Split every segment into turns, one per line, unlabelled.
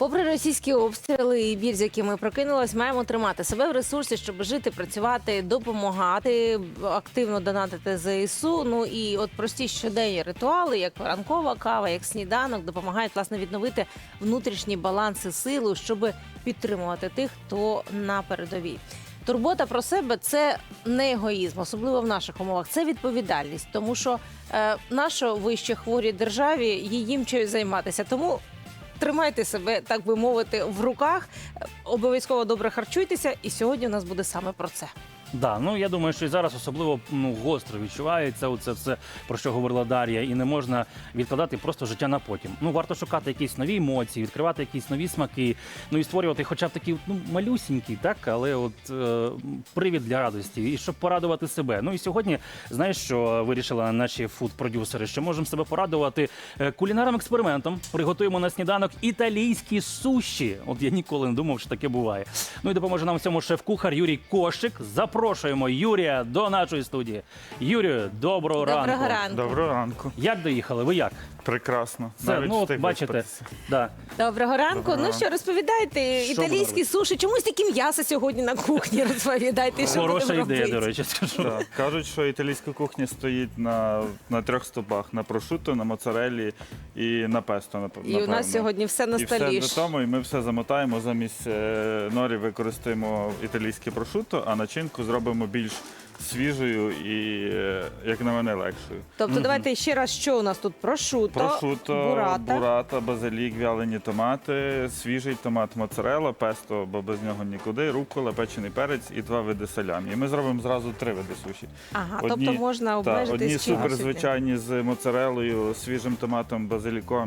Попри російські обстріли і біль, з якими прокинулась, маємо тримати себе в ресурсі, щоб жити, працювати, допомагати, активно донатити ЗСУ. Ну і от прості щоденні ритуали, як ранкова кава, як сніданок, допомагають, власне, відновити внутрішні баланси сили, щоб підтримувати тих, хто на передовій. Турбота про себе – це не егоїзм, особливо в наших умовах. Це відповідальність, тому що нащо ви ще хворій державі їм чимось займатися. Тому тримайте себе, так би мовити, в руках, обов'язково добре харчуйтеся, і сьогодні у нас буде саме про це.
Да, ну я думаю, що і зараз особливо гостро відчувається оце все, про що говорила Дар'я, і не можна відкладати просто життя на потім. Ну, варто шукати якісь нові емоції, відкривати якісь нові смаки, ну і створювати хоча б такі малюсінькі, так, але от привід для радості, і щоб порадувати себе. Ну і сьогодні, знаєш, що вирішили наші фуд-продюсери, що можемо себе порадувати кулінарним експериментом. Приготуємо на сніданок італійські суші. От я ніколи не думав, що таке буває. Ну і допоможе нам в цьому шеф-кухар Юрій Кошик. Запрошуємо Юрія до нашої студії. Юрію, доброго ранку.
Доброго ранку.
Доброго ранку.
Як доїхали? Ви як?
Прекрасно.
Це,
Навіть
ну, от
встиг
бачите,
виспатися.
да.
Доброго ранку.
Доброго
Ну
ранку.
що, розповідайте,
Що
італійські
будемо
суші. Чомусь такі м'яса сьогодні на кухні, розповідайте, що
Хороша
будемо
ідея,
робити.
до речі, скажу.
Так. Кажуть, що італійська кухня стоїть на трьох стовпах: на прошутто, на моцареллі і на песто, напевно.
І у нас сьогодні все на
І
столі.
все до тому, і ми все замотаємо. Замість норі використаємо італійське прошутто, а начинку зробимо більш свіжою і, як на мене, легшою.
Тобто давайте ще раз, що у нас тут?
Прошутто, бурата, базилік, вялені томати, свіжий томат моцарелла, песто, бо без нього нікуди, рукола, печений перець і 2 види салямі. І ми зробимо зразу 3 види суші.
Ага, тобто можна обмежитись
одні
чимось
суперзвичайні з моцарелою, свіжим томатом, базиліком,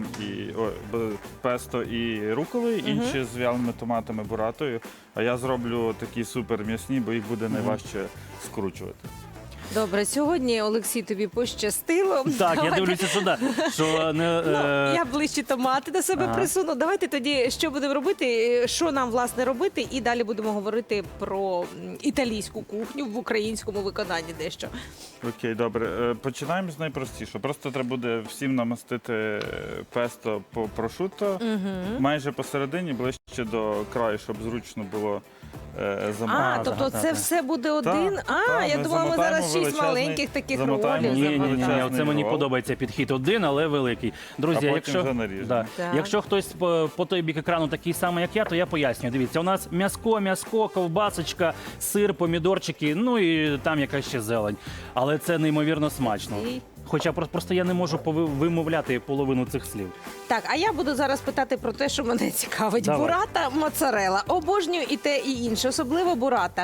песто і руколою, інші з вяленими томатами, буратою. А я зроблю такі супер м'ясні, бо їх буде найважче скручувати.
Добре, сьогодні, Олексій, тобі пощастило.
Так, я
Давайте.
дивлюся сюди, що не...
Я ближче томати до себе присуну. Давайте тоді, що будемо робити, що нам, власне, робити, і далі будемо говорити про італійську кухню в українському виконанні дещо.
Окей, добре. Починаємо з найпростішого. Просто треба буде всім намастити песто по прошутто, майже посередині, ближче до краю, щоб зручно було замовити.
Тобто це все буде один? Я
ми
думала, ми зараз
замотаємо
6 маленьких таких
замотаємо
ролів.
Ні,
величезний
оце мені
рол.
подобається підхід один, але великий. Друзі,
А потім вже наріжемо.
Так.
якщо хтось по той бік екрану такий самий, як я, то я пояснюю. Дивіться, у нас м'яско, ковбасочка, сир, помідорчики, ну і там якась ще зелень. Але це неймовірно смачно. Хоча просто я не можу вимовляти половину цих слів.
Так, а я буду зараз питати про те, що мене цікавить.
Давай.
Бурата, моцарелла. Обожнюю і те, і інше, особливо бурата.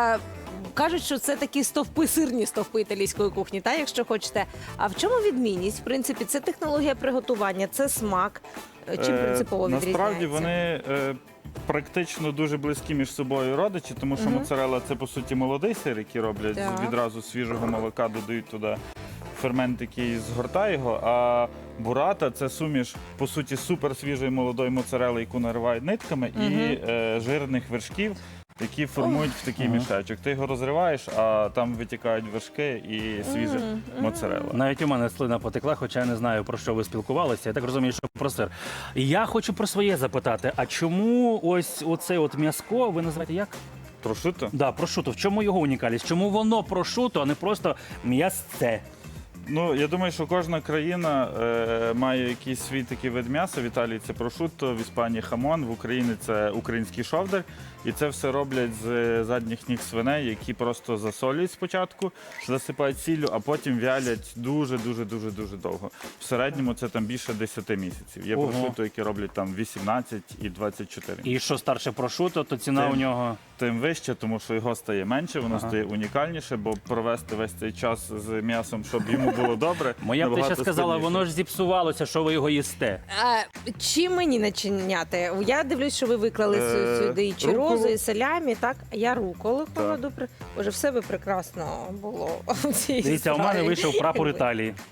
Кажуть, що це такі стовпи, сирні стовпи італійської кухні, та, якщо хочете. А в чому відмінність? В принципі, це технологія приготування, це смак. Чим принципово відрізняється?
Насправді вони практично дуже близькі між собою родичі, тому що моцарелла – це, по суті, молодий сир, який роблять
Так.
відразу з свіжого молока, додають туди фермент, який згортає його, а бурата – це суміш, по суті, суперсвіжої молодої моцарели, яку наривають нитками, і жирних вершків, які формують в такий мішечок. Ти його розриваєш, а там витікають вершки і свіжа моцарелла.
Навіть у мене слина потекла, хоча я не знаю, про що ви спілкувалися. Я так розумію, що про сир. І я хочу про своє запитати, а чому ось оце от м'яско, ви називаєте як?
Прошутто?
Да, прошуто. В чому його унікальність? Чому воно прошуто, а не просто м'ясце?
Ну, я думаю, що кожна країна має якийсь свій такий вид м'яса. В Італії це прошутто, в Іспанії хамон, в Україні це український шовдар. І це все роблять з задніх ніг свиней, які просто засолюють спочатку, засипають сіллю, а потім вялять дуже-дуже-дуже довго. В середньому це там більше 10 місяців. Є
Ого.
прошутто, які роблять там 18 і 24.
І що старше прошуто, то ціна у нього...
Тим вище, тому що його стає менше, воно стає унікальніше, бо провести весь цей час з м'ясом, щоб йому було добре.
Моя б ти ще
набагато
сказала,
складніше.
воно ж зіпсувалося, що ви його їсте.
Чим мені начиняти? Я дивлюсь, що ви виклали сюди і чирозу,
руколу.
і салямі, так? Я руколи
Так.
кладу. Боже, все би прекрасно було. у цій
Дивіться, у мене
страві.
вийшов прапор Італії.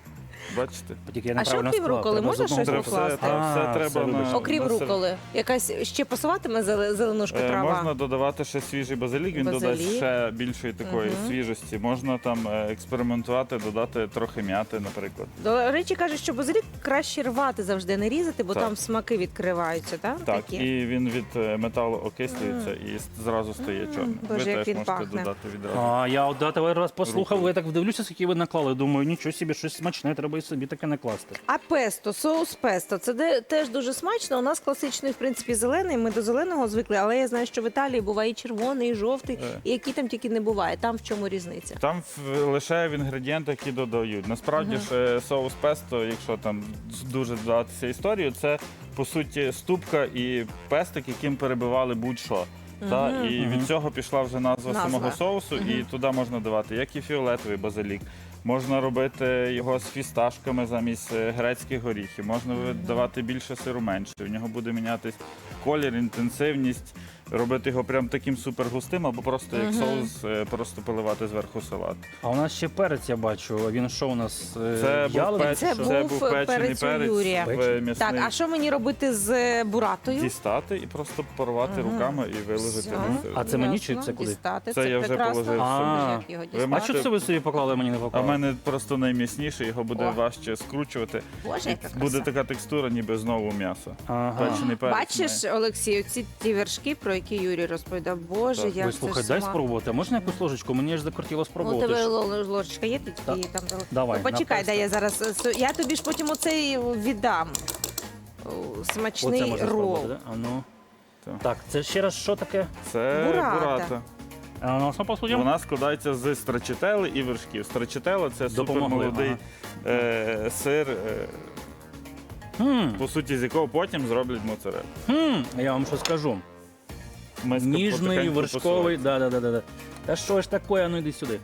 Бачите?
Тільки я
А що
неправильно
крім
склав,
руколи,
треба
можна
з одного
щось
боку.
покласти?
Все треба
вибач.
на-
Окрім руколи, якась ще пасуватиме зеленушка трава?
Можна додавати ще свіжий базилік, він додасть
Базилік.
ще більшої такої свіжості. Можна там експериментувати, додати трохи м'яти, наприклад.
До речі, кажуть, що базилік краще рвати завжди, не різати, бо
Так.
там смаки відкриваються, так?
Так,
Такі?
і він від металу окислюється і зразу стає чорним.
Боже,
Ви
як
теж
він
можете
пахне.
додати відразу.
А я от давай раз послухав,
Рукою.
я так вдивлюся, скільки ви наклали. Думаю, нічого собі, щось смачне, треба і собі таке накласти.
А песто, соус песто, це теж дуже смачно. У нас класичний, в принципі, зелений. Ми до зеленого звикли, але я знаю, що в Італії буває і червоний, і жовтий, і який там тільки не буває. Там в чому різниця?
Там лише в інгредієнти, які додають. Насправді ж соус песто, якщо там дуже додатися історію, це по суті ступка і пестик, яким перебивали будь-що. І від цього пішла вже назва самого соусу, і туди можна давати як і фіолетовий базилік. Можна робити його з фісташками замість грецьких горіхів. Можна давати більше сиру, менше. У нього буде мінятись колір, інтенсивність. Робити його прям таким супер густим, або просто як соус, просто поливати зверху салат.
А у нас ще перець, я бачу. Він що у нас?
Це
в'ялений
був,
чи
Це
що?
був
печений
перець у
перець
Юрія.
в м'ясний.
Так, а що мені робити з буратою?
Дістати і просто порвати руками і виложити
Все.
на сир.
А це мені чи
Ясно,
це куди?
дістати.
Це я вже
прекрасно.
положив
собі.
Як його
Ви
дістати?
А
можете-
що це ви собі поклали, мені не
А в
поклали?
мене просто найм'ясніше, його буде
О.
важче скручувати.
Боже,
І
яка краса.
буде така текстура, ніби знову м'ясо.
Ага.
Печений перець.
Бачиш, Олексій, оці ті вершки, про які Юрій розповідав. Боже,
Так.
як
Ви
це
слухай,
ж
дай
смак.
спробувати. А можна якусь ложечку? Мені ж закортіло
У
спробувати.
тебе
ж.
ложечка є, ти тільки
Так.
її там дала?
Давай,
Ну, почекай,
на
дай я зараз. Я тобі ж потім оцей віддам. О,
Оце
Смачний
можна
рол.
спробувати, да? А ну.
Так.
Так, це ще раз що таке?
Це
Бурата.
бурата.
А ну, що посудимо?
Вона складається з страчителли і вершків. Страчителла – це
Допомогли,
супермолодий сир, по суті, з якого потім зроблять моцарелу.
Я вам що скажу.
Миска
Ніжний,
потихеньку
вершковий.
посолить.
Да. Та що ж таке, ну йди сюди.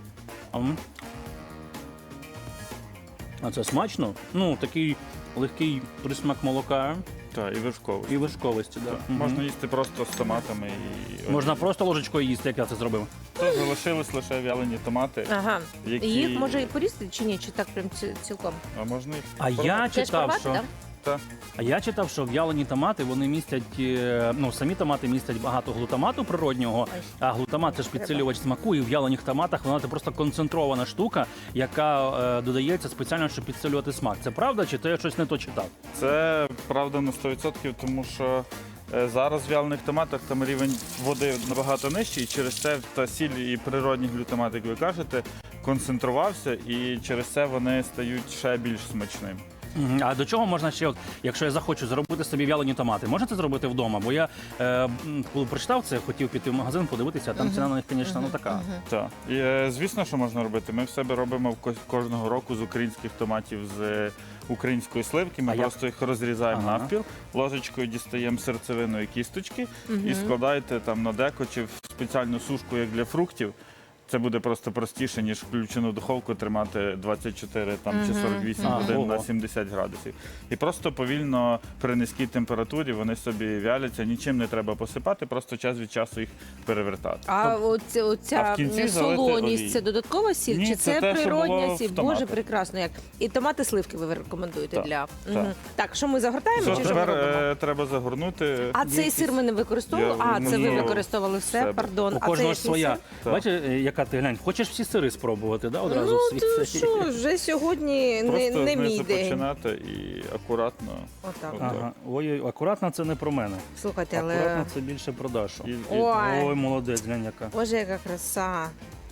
А це смачно? Ну, такий легкий присмак молока
Так, і вершковий.
і вершковості. Да. Мгм.
Можна їсти просто з томатами і
Можна просто ложечкою їсти, як я це зробив.
То залишились лише вялені томати,
Ага.
які...
Їх може і порізати чи ні? Чи так прям цілком?
А можна їх
А я
Хочеш
читав,
порвати,
що...
так?
Та.
А я читав, що в'ялені томати вони містять, ну самі томати містять багато глутамату природнього,
Ой.
а глутамат це ж підсилювач смаку, і в в'ялених томатах вона це просто концентрована штука, яка додається спеціально, щоб підсилювати смак. Це правда, чи то я щось не то читав?
Це правда на 100%, тому що зараз в вялених томатах там рівень води набагато нижчий, і через це та сіль і природній глютамат, як ви кажете, концентрувався, і через це вони стають ще більш смачними.
А до чого можна ще, от, якщо я захочу зробити собі в'ялені томати, можна це зробити вдома? Бо я коли прочитав це, хотів піти в магазин, подивитися, а там ціна на них, звісно, ну така.
Так. І, звісно, що можна робити. Ми в себе робимо кожного року з українських томатів з української сливки. Ми
А як?
просто їх розрізаємо
Ага.
навпіл, ложечкою дістаємо серцевину і кісточки і складаєте там на деко чи в спеціальну сушку, як для фруктів. Це буде просто простіше, ніж включену духовку тримати 24 там, чи 48 годин
Ого.
на 70 градусів. І просто повільно при низькій температурі вони собі вяляться, нічим не треба посипати, просто час від часу їх перевертати.
А
А
оця
в кінці залити
солоність
олією.
це додаткова сіль?
Ні,
чи
це
це
те, що
природня
було в
сіль? Боже,
томатах.
прекрасно як. І томати сливки ви рекомендуєте
Так,
для.
так.
Мгм. Так, що ми загортаємо
Що
чи що ми
тепер
робимо?
треба загорнути.
А цей сир ми не використовували?
Я
А, це ви
ну,
використовували все,
себе.
пардон.
У
А це
кожного
який
ж своя.
сир?
Так.
Бачиш, яка ти глянь, хочеш всі сири спробувати, да, одразу
Ну,
в свій
то
цей?
що, вже сьогодні
Просто
не мій
знизу
день.
починати і акуратно.
Отак.
Ага.
Ага. Ой, акуратно це не про мене.
Слухайте,
Акуратно
але...
це більше про Дашу.
Ой.
Ой, молодець, глянь яка.
Боже, яка краса.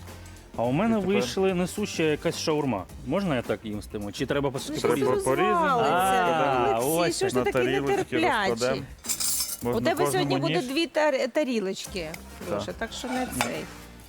А у мене
І тепер?
вийшла несуща якась шаурма. Можна я так їстиму? Чи треба
Ну,
посушити?
що
Треба
це
порізати.
розвалиться?
А,
Олексій,
ось
що ж ти
на
такий
тарілочки
нетерплячий?
розкладемо.
У
Можна
тебе
кожному
сьогодні буде
ніж.
дві тарілочки, Леша, так що не цей.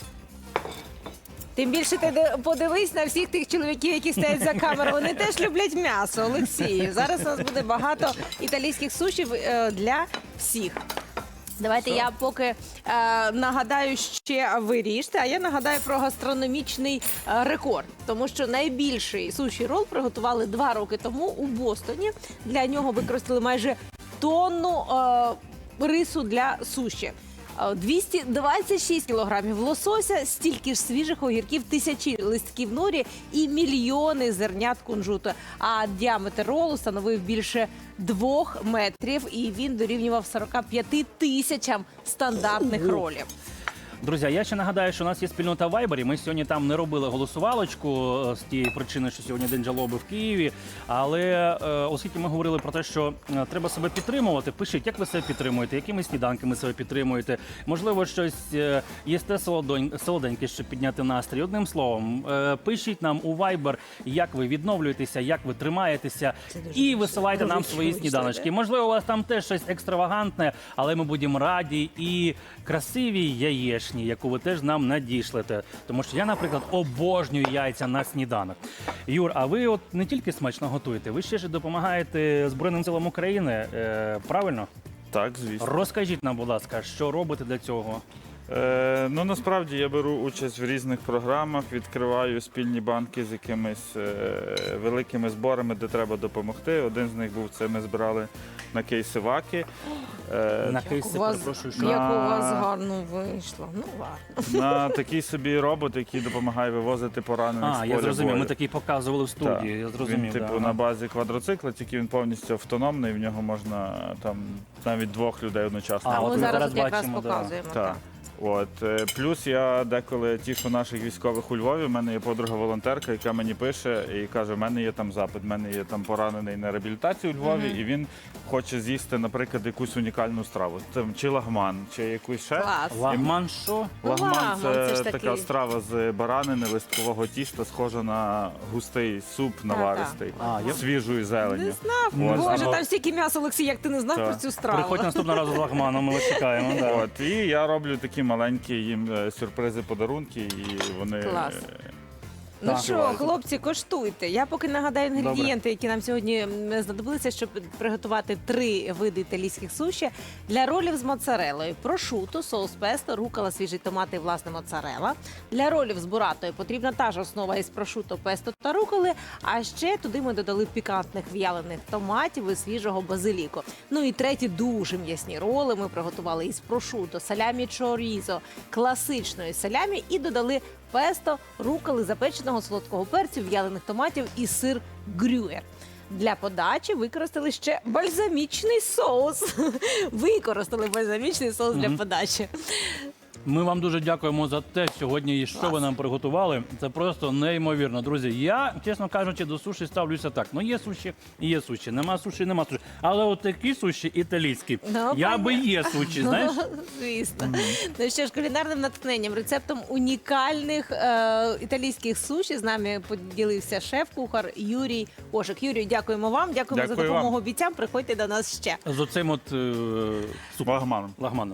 Тим більше ти подивись на всіх тих чоловіків, які стоять за камерою. Вони теж люблять м'ясо, Олексій. Зараз у нас буде багато італійських сушів для всіх. Давайте я поки нагадаю ще ви ріжте, а я нагадаю про гастрономічний рекорд. Тому що найбільший суші рол приготували 2 роки тому у Бостоні. Для нього використали майже тонну рису для суші. 226 кілограмів лосося, стільки ж свіжих огірків, тисячі листків норі і мільйони зернят кунжуту. А діаметр ролу становив більше 2 метрів, і він дорівнював 45 тисячам стандартних ролів.
Друзі, я ще нагадаю, що у нас є спільнота в Вайбері. Ми сьогодні там не робили голосувалочку з тієї причини, що сьогодні День жалоби в Києві. Але оскільки ми говорили про те, що треба себе підтримувати, пишіть, як ви себе підтримуєте, якими сніданками себе підтримуєте. Можливо, щось їсте солоденьке, щоб підняти настрій. Одним словом, пишіть нам у Viber, як ви відновлюєтеся, як ви тримаєтеся, і висилайте нам свої сніданочки. Можливо, у вас там теж щось екстравагантне, але ми будемо раді і красивій яєчні, яку ви теж нам надішлете. Тому що я, наприклад, обожнюю яйця на сніданок. Юр, а ви от не тільки смачно готуєте, ви ще ж допомагаєте Збройним силам України, правильно?
Так, звісно.
Розкажіть нам, будь ласка, що робите для цього?
Ну, насправді я беру участь в різних програмах, відкриваю спільні банки з якимись великими зборами, де треба допомогти. Один з них був це, ми збирали на кейси ВАКи.
На кейси, перепрошую, що?
Як у вас гарно вийшло. Ну, ладно.
На такий собі робот, який допомагає вивозити поранених з поля
Я зрозумів,
бою.
ми такий показували в студії,
Так.
я зрозумів.
Він, типу,
да.
на базі квадроцикла, тільки він повністю автономний, в нього можна там навіть 2 людей одночасно.
А
от
ми
ми
зараз
зараз
от якраз
бачимо, да.
показуємо.
Так.
Так.
От. Плюс я деколи тішу наших військових у Львові. У мене є подруга-волонтерка, яка мені пише і каже, в мене є там запит, в мене є там поранений на реабілітацію у Львові, і він хоче з'їсти, наприклад, якусь унікальну страву. Там, чи лагман, чи якусь ще.
Клас.
Лагман що?
Лагман
Лагман, це ж
така
такий.
страва з баранини, листкового тіста, схожа на густий суп наваристий,
я-
з свіжою зеленню.
Не знав.
От,
Боже,
або-
там стільки м'яса, Олексій, як ти не знав
Так.
про цю страву.
Приходь наступного разу з лагманом, ми вас чекаємо. Да.
От, і я роблю такі маленькі їм сюрпризи, подарунки, і вони
Клас. Ну
Так.
що, хлопці, коштуйте. Я поки нагадаю інгредієнти, які нам сьогодні знадобилися, щоб приготувати 3 види італійських суші. Для ролів з моцарелою прошуто, соус песто, рукола, свіжий томат і власне моцарела. Для ролів з буратою потрібна та ж основа із прошуто, песто та руколи, а ще туди ми додали пікантних в'ялених томатів і свіжого базиліку. Ну і треті дуже м'ясні роли ми приготували із прошуто, салямі чорізо, класичної салямі і додали песто, руколи, запеченого солодкого перцю, в'ялених томатів і сир грюєр. Для подачі використали ще бальзамічний соус. Використали бальзамічний соус для подачі.
Ми вам дуже дякуємо за те сьогодні, що ви нам приготували. Це просто неймовірно. Друзі, я, чесно кажучи, до суші ставлюся так. Ну, є суші і є суші, нема суші, нема суші. Але от такі суші італійські,
Ну,
я би є суші, знаєш?
Звісно. Ну що ж, кулінарним натхненням, рецептом унікальних італійських суші з нами поділився шеф-кухар Юрій Ошик. Юрію, дякуємо вам, дякуємо за
Дякую
допомогу
вам.
бійцям. Приходьте до нас ще.
З оцим от
Лагманом.
лагманом.